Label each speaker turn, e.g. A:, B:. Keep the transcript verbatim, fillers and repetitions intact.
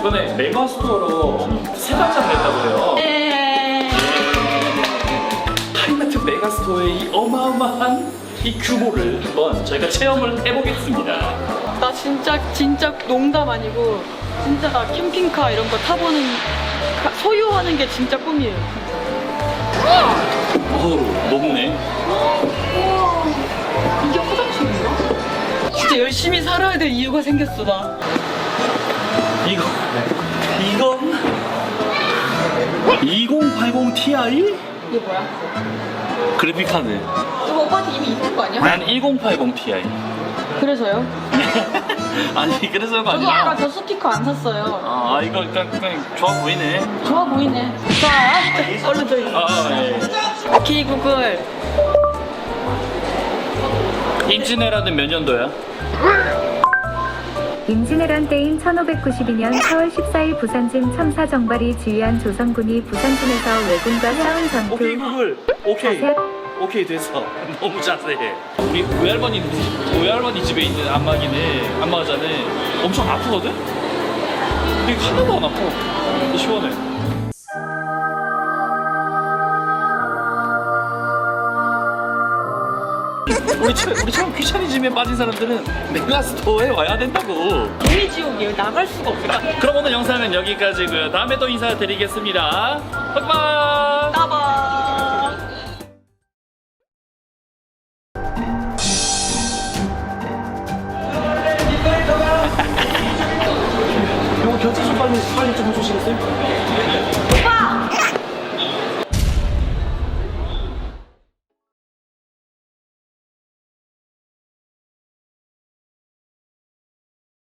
A: 이번에 메가스토어로 새 발장 냈다고 해요.
B: 네.
A: 하이마트 메가스토어의 이 어마어마한 이 규모를 한번 저희가 체험을 해보겠습니다.
B: 나 진짜 진짜 농담 아니고 진짜 나 캠핑카 이런 거 타보는 가- 소유하는 게 진짜 꿈이에요.
A: 어우, 높네.
B: 이게 화장실인가? 진짜 열심히 살아야 될 이유가 생겼어 나.
A: 이거, 이건 이공팔공 티아이?
B: 이게 뭐야?
A: 그래픽카드.
B: 이거 오빠한테 이미 있는 거 아니야?
A: 난 일공팔공 티아이.
B: 그래서요?
A: 아니, 그래서가
B: 저도 아까
A: 아니라.
B: 저 스티커 안 샀어요.
A: 아, 이거 그냥, 그냥 좋아 보이네.
B: 좋아 보이네. 자, 얼른 저희.
A: 아, 예.
B: 오케이 구글.
A: 임진왜란은 몇 년도야?
C: 임진왜란 때인 천오백구십이 년 사월 십사일 부산진 첨사정발이 지휘한 조선군이 부산진에서 왜군과 싸운
A: 오케이,
C: 전투.
A: 구글. 오케이.
C: 자세-
A: 오케이, 됐어. 너무 자세해. 우리 외할머니, 외할머니 집에 있는 안마기는, 안마자는 엄청 아프거든? 근데 하나도 안 아파. 시원해. 우리처럼, 우리처럼 귀차니즘에 빠진 사람들은 메가스토어에 와야 된다고.
B: 종이 지옥이에요. 나갈 수가 없어.
A: 그럼 오늘 영상은 여기까지고요. 다음에 또 인사드리겠습니다. 빠이빠이.
B: 따봐.
A: 이거 결제 좀 빨리 빨리 좀 해주시겠어요?